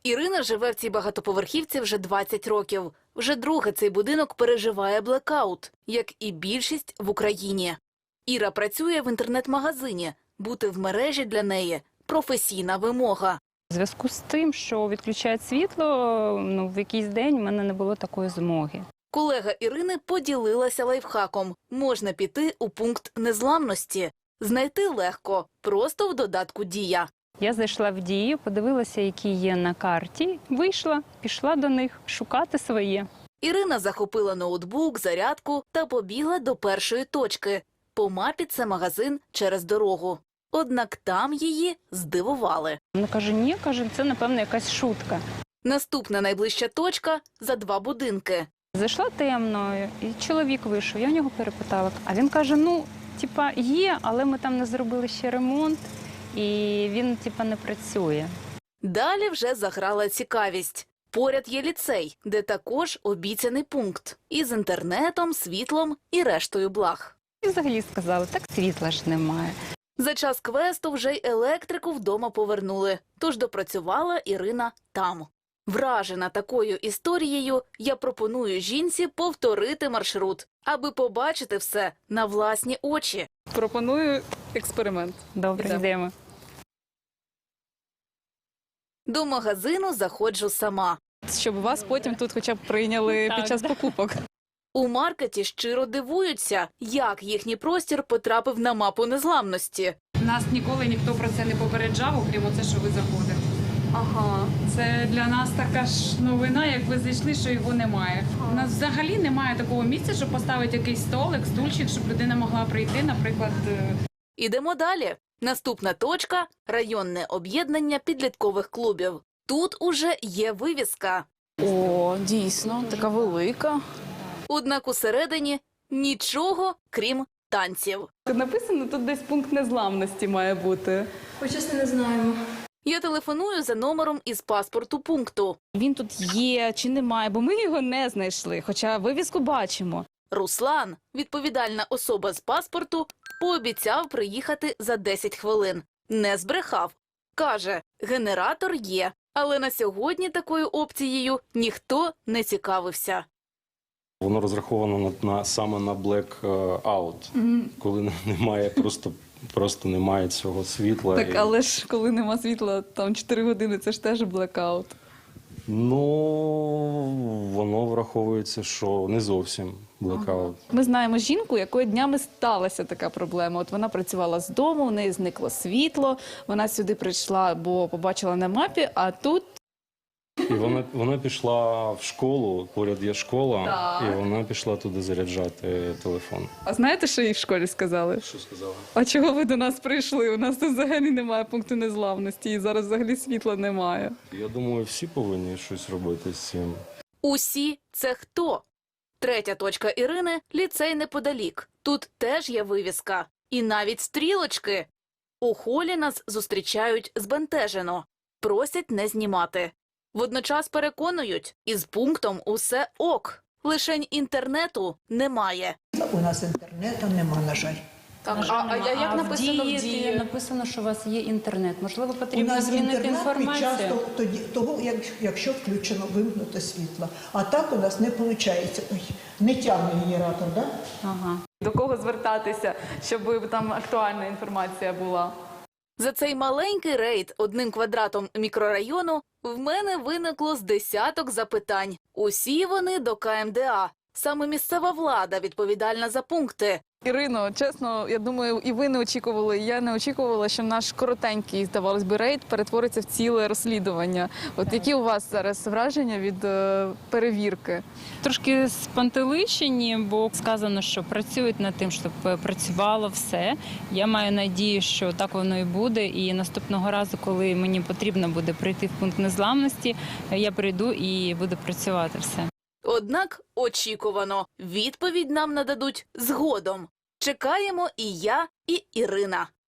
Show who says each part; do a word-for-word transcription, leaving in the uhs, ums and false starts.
Speaker 1: Ірина живе в цій багатоповерхівці вже двадцять років. Вже друге цей будинок переживає блекаут, як і більшість в Україні. Іра працює в інтернет-магазині. Бути в мережі для неї – професійна вимога.
Speaker 2: У зв'язку з тим, що відключають світло, ну, в якийсь день в мене не було такої змоги.
Speaker 1: Колега Ірини поділилася лайфхаком. Можна піти у пункт незламності. Знайти легко, просто в додатку «Дія».
Speaker 2: Я зайшла в Дію, подивилася, які є на карті, вийшла, пішла до них шукати своє.
Speaker 1: Ірина захопила ноутбук, зарядку та побігла до першої точки. По мапі це магазин через дорогу. Однак там її здивували.
Speaker 2: Вона каже, ні, каже, це, напевно, якась шутка.
Speaker 1: Наступна найближча точка – за два будинки.
Speaker 2: Зайшла темно, і чоловік вийшов, я в нього перепитала. А він каже, ну, типа, є, але ми там не зробили ще ремонт, і він, типа, не працює.
Speaker 1: Далі вже заграла цікавість. Поряд є ліцей, де також обіцяний пункт. Із інтернетом, світлом і рештою благ.
Speaker 2: І взагалі сказали, так світла ж немає.
Speaker 1: За час квесту вже й електрику вдома повернули, тож допрацювала Ірина там. Вражена такою історією, я пропоную жінці повторити маршрут, аби побачити все на власні очі.
Speaker 3: Пропоную експеримент.
Speaker 2: Добре,
Speaker 3: Ідемо.
Speaker 2: йдемо.
Speaker 1: До магазину заходжу сама.
Speaker 3: Щоб вас потім тут хоча б прийняли
Speaker 2: Так,
Speaker 3: під час
Speaker 2: да.
Speaker 3: покупок.
Speaker 1: У маркеті щиро дивуються, як їхній простір потрапив на мапу незламності.
Speaker 4: Нас ніколи ніхто про це не попереджав, окрім оце, що ви заходили.
Speaker 3: Ага.
Speaker 4: Це для нас така ж новина, як ви зайшли, що його немає. У нас взагалі немає такого місця, щоб поставити якийсь столик, стульчик, щоб людина могла прийти, наприклад. е,
Speaker 1: Ідемо далі. Наступна точка – районне об'єднання підліткових клубів. Тут уже є вивіска.
Speaker 3: О, дійсно, така велика.
Speaker 1: Однак усередині нічого, крім танців.
Speaker 3: Написано, тут десь пункт незламності має бути.
Speaker 5: Ой, чесно, не знаємо.
Speaker 1: Я телефоную за номером із паспорту пункту.
Speaker 3: Він тут є чи немає, бо ми його не знайшли, хоча вивіску бачимо.
Speaker 1: Руслан, відповідальна особа з паспорту, пообіцяв приїхати за десять хвилин. Не збрехав. Каже, генератор є, але на сьогодні такою опцією ніхто не цікавився.
Speaker 6: Воно розраховано на, на саме на blackout, mm. коли немає просто, просто немає цього світла.
Speaker 3: Так,
Speaker 6: і...
Speaker 3: але ж коли нема світла, там чотири години, це ж теж блекаут.
Speaker 6: Ну, воно враховується, що не зовсім blackout.
Speaker 3: Ми знаємо жінку, якої днями сталася така проблема. От вона працювала з дому, у неї зникло світло, вона сюди прийшла, бо побачила на мапі, а тут...
Speaker 6: І вона, вона пішла в школу, поряд є школа,
Speaker 3: Так.
Speaker 6: і вона пішла туди заряджати телефон.
Speaker 3: А знаєте, що їй в школі сказали?
Speaker 6: Що сказала?
Speaker 3: А чого ви до нас прийшли? У нас тут взагалі немає пункту незламності, і зараз взагалі світла немає.
Speaker 6: Я думаю, всі повинні щось робити з цим.
Speaker 1: Усі – це хто? Третя точка Ірини – ліцей неподалік. Тут теж є вивіска. І навіть стрілочки. У холі нас зустрічають збентежено. Просять не знімати. Водночас переконують, із пунктом усе ок. Лишень інтернету немає.
Speaker 7: У нас інтернету нема, на жаль.
Speaker 3: Так, а, а, а як написано в дії?
Speaker 2: Написано, що у вас є інтернет. Можливо,
Speaker 7: У
Speaker 2: потрібно
Speaker 7: нас
Speaker 2: змінити
Speaker 7: інтернет під час
Speaker 2: інформацію?
Speaker 7: того, тоді, того як, якщо включено вимкнуто світло. А так у нас не виходить. Ой, не тягне генератор, так? Да?
Speaker 2: Ага.
Speaker 3: До кого звертатися, щоб там актуальна інформація була?
Speaker 1: За цей маленький рейд одним квадратом мікрорайону в мене виникло з десяток запитань. Усі вони до ка ем де а. Саме місцева влада відповідальна за пункти.
Speaker 3: Ірино, чесно, я думаю, і ви не очікували, і я не очікувала, що наш коротенький, здавалось би, рейд перетвориться в ціле розслідування. От які у вас зараз враження від е, перевірки?
Speaker 2: Трошки спантеличені, бо сказано, що працюють над тим, щоб працювало все. Я маю надію, що так воно і буде. І наступного разу, коли мені потрібно буде прийти в пункт незламності, я прийду і буду працювати все.
Speaker 1: Однак очікувано, відповідь нам нададуть згодом. Чекаємо і я, і Ірина.